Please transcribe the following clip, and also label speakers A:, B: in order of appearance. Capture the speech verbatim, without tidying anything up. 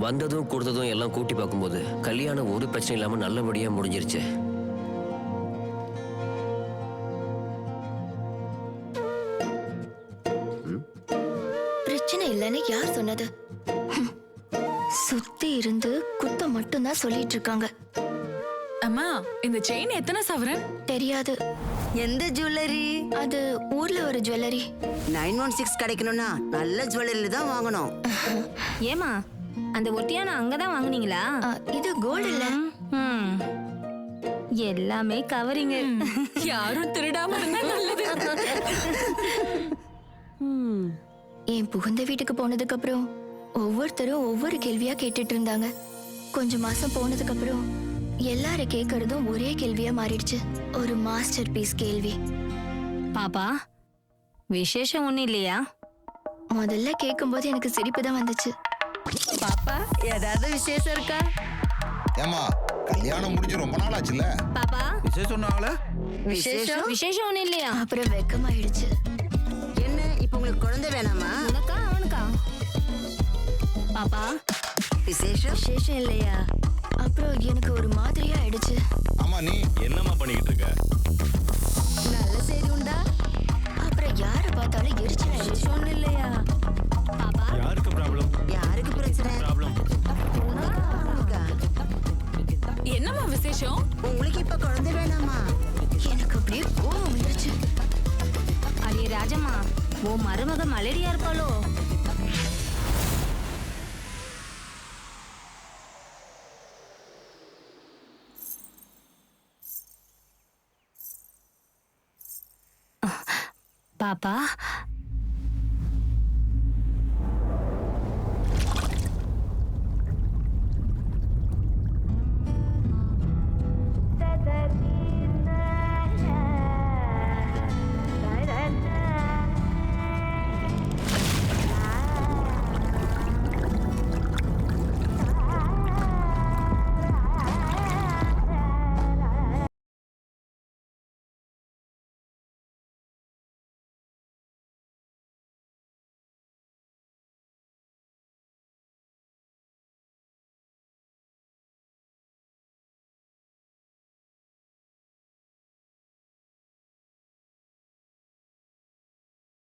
A: வந்ததும் கொடுத்ததும் எல்லாம் கூட்டி பார்க்கும்போது கல்யாணம் ஒரு பிரச்சனை இல்லாம நல்லபடியா முடிஞ்சிருச்சு.
B: பிரச்சனை இல்லைன்னு யார் சொன்னது? சுத்தி இருந்து குத்தம் மட்டும்தான் சொல்லிட்டு இருக்காங்க.
C: அம்மா, இந்த செயின் எத்தனை சவரன்?
B: தெரியாது.
D: எந்த ஜுவல்லரி?
B: அது ஊர்ல ஒரு ஜுவல்லரி.
D: நைன் ஒன் சிக்ஸ் கிடைக்கணும்னா நல்ல ஜுவல்லரி தான் வாங்கணும்.
E: ஏமா அந்த ஒட்டியான அங்கதான் வாங்குனீங்களா?
B: ஆ, இது கோல்டு இல்ல.
E: ம். எல்லாமே கவரிங்க.
C: யாரும் திருடாம இருந்தா நல்லது.
B: என் புகுந்த வீட்டுக்கு போனதுக்கு அப்புறம் ஒவ்வொருத்தரும் ஒவ்வொரு கேள்வியா கேட்டுட்டு இருந்தாங்க. கொஞ்ச மாசம் போனதுக்கு அப்புறம் எல்லாரும் கேட்கறதும் ஒரே கேள்வியா மாறிடுச்சு. ஒரு மாஸ்டர் பீஸ் கேள்வி.
E: பாப்பா, விசேஷம் ஒண்ணு இல்லையா?
B: முதல்ல கேட்கும்போது எனக்கு சிரிப்பு தான் வந்துச்சு.
E: பாப்பா, ஏதாவது விசேஷம் இருக்கா?
F: ஏமா, கல்யாணம் முடிஞ்சு ரொம்ப நாள் ஆச்சுல.
E: பாப்பா,
G: விசேஷம் சொன்னாங்களே.
E: விசேஷம் விசேஷம் ஒண்ணு இல்லையா?
B: அப்புறம் வெக்கமாயிடுச்சு.
D: என்ன இப்ப உங்களுக்கு குழந்தை வேணாமா?
E: உனக்கா அவனுக்கா? பாப்பா,
D: விசேஷம்
B: விசேஷம் இல்லையா? அப்புறம் எனக்கு ஒரு மாதிரியா ஆயிடுச்சு.
F: ஆமா, நீ
H: என்னம்மா பண்ணிக்கிட்டு இருக்க?
E: நல்ல செய்தி உண்டா?
B: அப்புறம் யார பார்த்தாலும் எரிச்சல் ஆயிடுச்சு.
E: விசேஷம் ஒண்ணு இல்லையா? பாப்பா,
H: யாருக்கு ப்ராப்ளம்?
D: யாருக்கு பிரச்சனை?
H: ப்ராப்ளம்.
D: உனக்கா?
C: என்னம்மா விசேஷம்?
D: உங்களுக்கு இப்ப குழந்தை வேணாமா?
B: எனக்கு அப்படியே கோவம் வந்துருச்சு.
E: அடியே ராஜம்மா, ஓ மருமக மலேரியா இருப்பாளோ? பாப்பா,